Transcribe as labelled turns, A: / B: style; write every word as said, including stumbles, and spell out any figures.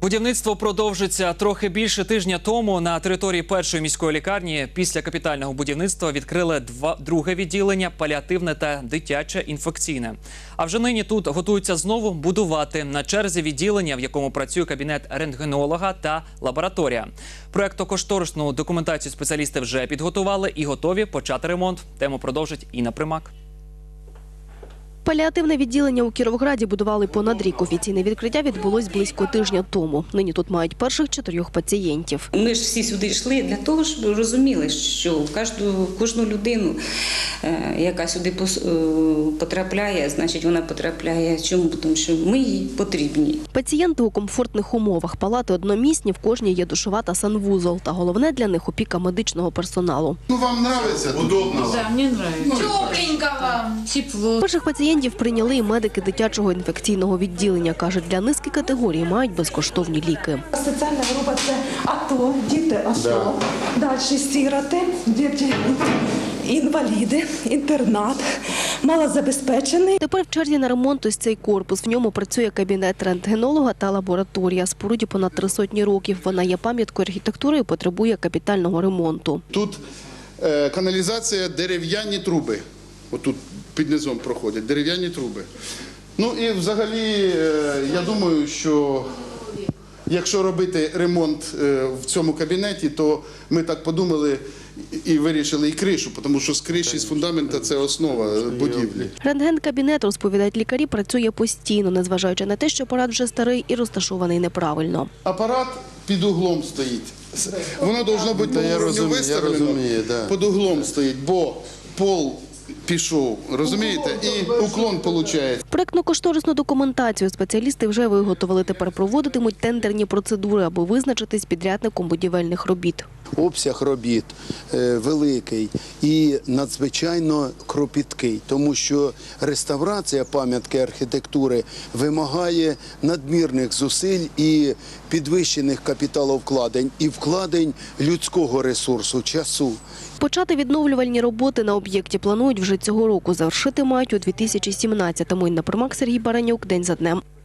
A: Будівництво продовжиться. Трохи більше тижня тому на території першої міської лікарні після капітального будівництва відкрили два, друге відділення – паліативне та дитяче інфекційне. А вже нині тут готуються знову будувати. На черзі відділення, в якому працює кабінет рентгенолога та лабораторія. Проектно-кошторисну документацію спеціалісти вже підготували і готові почати ремонт. Тему продовжить Інна Примак.
B: Паліативне відділення у Кіровограді будували понад рік. Офіційне відкриття відбулось близько тижня тому. Нині тут мають перших чотирьох пацієнтів.
C: Ми ж всі сюди йшли для того, щоб розуміли, що кожну, кожну людину, яка сюди потрапляє, значить вона потрапляє. Чому? Тому що ми їй потрібні.
B: Пацієнти у комфортних умовах. Палати одномісні, в кожній є душова та санвузол. Та головне для них – опіка медичного персоналу.
D: Ну, вам подобається? Удобно?
E: Да, мне нравится. Тепленько вам. Тепло.
B: Перших пацієнтів прийняли і медики дитячого інфекційного відділення. Кажуть, для низки категорій мають безкоштовні ліки.
F: Соціальна група – це АТО, діти АТО, да. Далі сироти, діти інваліди, інтернат, малозабезпечений.
B: Тепер в черзі на ремонт ось цей корпус. В ньому працює кабінет рентгенолога та лабораторія. Споруді понад три сотні років. Вона є пам'яткою архітектури і потребує капітального ремонту.
D: Тут е, каналізація, дерев'яні труби. Отут під низом проходять дерев'яні труби. Ну і взагалі, е, я думаю, що якщо робити ремонт е, в цьому кабінеті, то ми так подумали і вирішили і кришу, тому що з криші, з фундамента – це основа будівлі.
B: Рентген-кабінет, розповідають лікарі, працює постійно, незважаючи на те, що апарат вже старий і розташований неправильно.
D: Апарат під углом стоїть. Воно повинно бути по уровню виставлено, під углом стоїть, бо пол пішов, розумієте, і уклон виходить.
B: Проектно-кошторисну документацію спеціалісти вже виготовили. Тепер проводитимуть тендерні процедури, аби визначитись підрядником будівельних робіт.
G: Обсяг робіт е, великий і надзвичайно кропіткий, тому що реставрація пам'ятки архітектури вимагає надмірних зусиль і підвищених капіталовкладень, і вкладень людського ресурсу, часу.
B: Почати відновлювальні роботи на об'єкті планують вже цього року. Завершити мають у дві тисячі сімнадцятому. Інна Примак, Сергій Баранюк. День за днем.